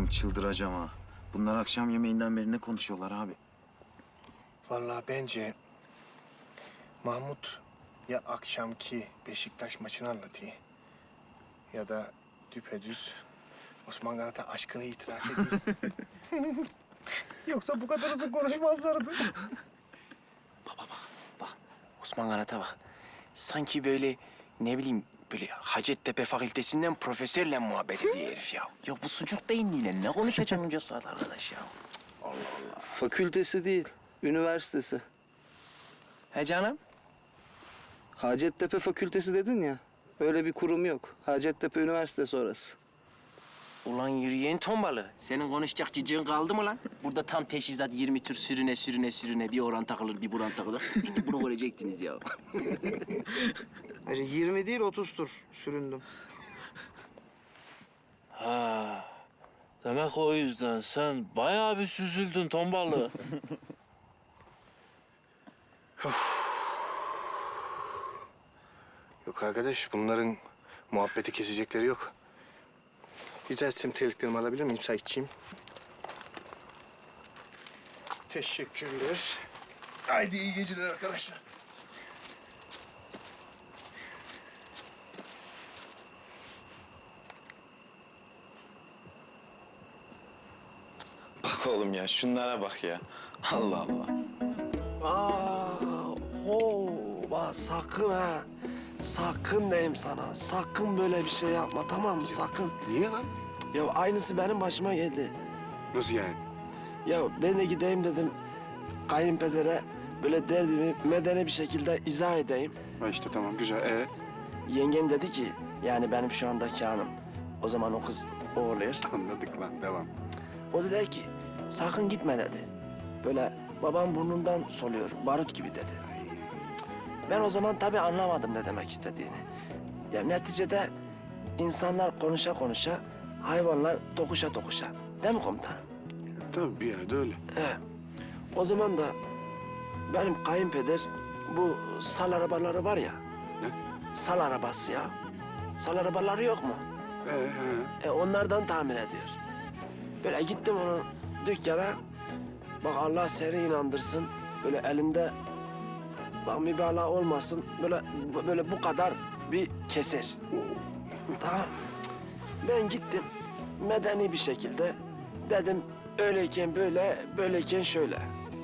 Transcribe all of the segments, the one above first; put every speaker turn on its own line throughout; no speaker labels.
çıldıracağım ha. Bunlar akşam yemeğinden beri ne konuşuyorlar abi?
Vallahi bence Mahmut ya akşamki Beşiktaş maçını anlatıyor ya da düpedüz Osman Kanat'a aşkını itiraf ediyor. Yoksa bu kadar uzun konuşmazlardı.
Bak Osman Kanat'a bak. Sanki böyle ne bileyim böyle Hacettepe Fakültesinden profesörle muhabbet ediyor herif ya. Ya bu sucuk beyinliyle ne konuşacaksın onca saat arkadaş ya?
Fakültesi değil, üniversitesi.
He canım?
Hacettepe Fakültesi dedin ya. Öyle bir kurum yok. Hacettepe Üniversitesi orası.
Ulan yürüyen tombalı. Senin konuşacak cicin kaldı mı lan? Burada tam teşhisat 20 tür sürüne bir oran takılır, bir buran takılır. İşte bunu görecektiniz ya.
Ayrıca 20 değil 30 tur süründüm.
Ha, demek o yüzden sen bayağı bir süzüldün tombalı.
Yok arkadaş, bunların muhabbeti kesecekleri yok. Rica etsem terliklerimi alabilir miyim? Müsaitçiyim. Teşekkürler. Haydi iyi geceler arkadaşlar.
Bak oğlum ya, şunlara bak ya. Allah Allah.
Bak sakın ha. Sakın diyeyim sana. Sakın böyle bir şey yapma, tamam mı? Sakın.
Niye lan?
Ya aynısı benim başıma geldi.
Nasıl yani?
Ya ben de gideyim dedim kayınpedere böyle derdimi medeni bir şekilde izah edeyim.
Ha işte tamam, güzel.
Yengen dedi ki yani benim şu andaki hanım. O zaman o kız o oluyor.
Anladık lan, devam.
O da dedi ki sakın gitme dedi. Böyle babam burnundan soluyor, barut gibi dedi. Ben o zaman tabii anlamadım ne demek istediğini. Ya neticede insanlar konuşa konuşa, hayvanlar dokuşa dokuşa. Değil mi komutanım?
Tabii bir yerde öyle.
O zaman da benim kayınpeder bu sal arabaları var ya.
Ne?
Sal arabası ya. Sal arabaları yok mu? Onlardan tamir ediyor. Böyle gittim onun dükkana. Bak Allah seni inandırsın. Böyle elinde bak mübalağa olmasın. Böyle bu kadar bir keser. Tamam. Ben gittim medeni bir şekilde dedim öyleyken böyle, böyleyken şöyle.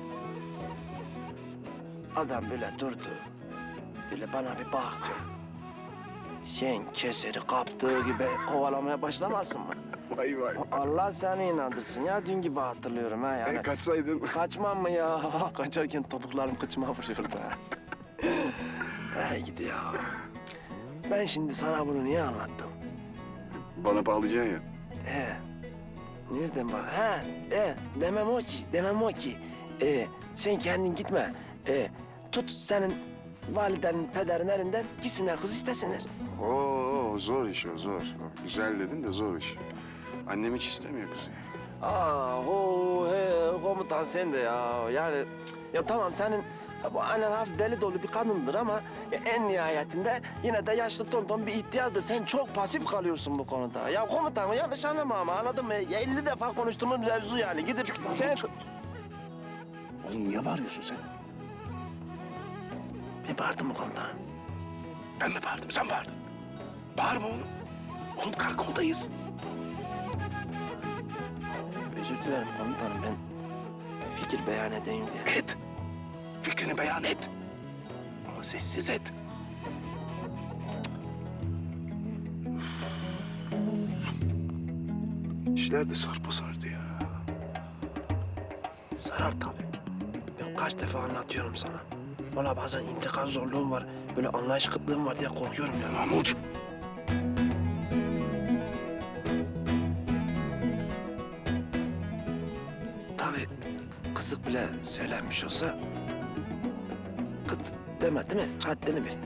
Adam böyle durdu. Böyle bana bir baktı. Sen keseri kaptığı gibi kovalamaya başlamazsın mı?
Vay vay.
Allah seni inandırsın ya. Dün gibi hatırlıyorum ha yani.
Kaçsaydın.
Kaçmam mı ya? Kaçarken topuklarım kıçıma vuruyordu ha. Hey gidi ya. Ben şimdi sana bunu niye anlattım?
Bana bağlayacaksın ya.
He. Nereden bak? Demem o ki. Sen kendin gitme. Tut senin validenin, pederin elinden gitsinler kız istesinler.
Oo zor iş o zor. Güzel dedin de zor iş. Annem hiç istemiyor kızı.
Komutan sen de ya. Yani ya tamam senin bu annen hafif deli dolu bir kadındır ama en nihayetinde yine de yaşlı tonton bir ihtiyardır. Sen çok pasif kalıyorsun bu konuda. Ya komutan yanlış anlama ama anladın mı? Ya 50 defa konuştuğumuz mevzu yani. Gidip sen...
Oğlum niye bağırıyorsun sen?
Ben bağırdım mı komutanım?
Ben mi bağırdım, sen bağırdın. Bağırma oğlum. Oğlum karakoldayız.
Özür dilerim komutanım ben fikir beyan edeyim diye.
Et. Fikrini beyan et. Ama sessiz et. İşler de sarpa sardı ya.
Sarar tabii. Ben kaç defa anlatıyorum sana. Valla bazen intikal zorluğum var. Böyle anlayış kıtlığım var diye korkuyorum ya.
Mahmut.
Tabii kızık bile söylenmiş olsa... ...kıt deme değil mi? Haddini bil.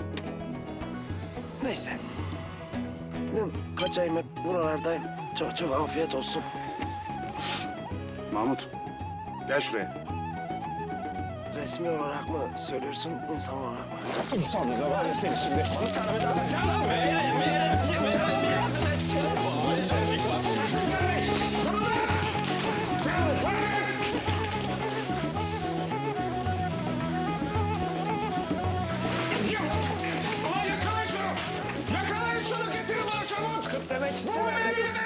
Neyse. Ben kaçayım hep buralardayım. Çok çok afiyet olsun.
Mahmut gel şuraya.
Resmi olarak mı söylüyorsun, insan olarak mı?
İnsanlık da var ya seni şimdi.
Komutanım,
istemem.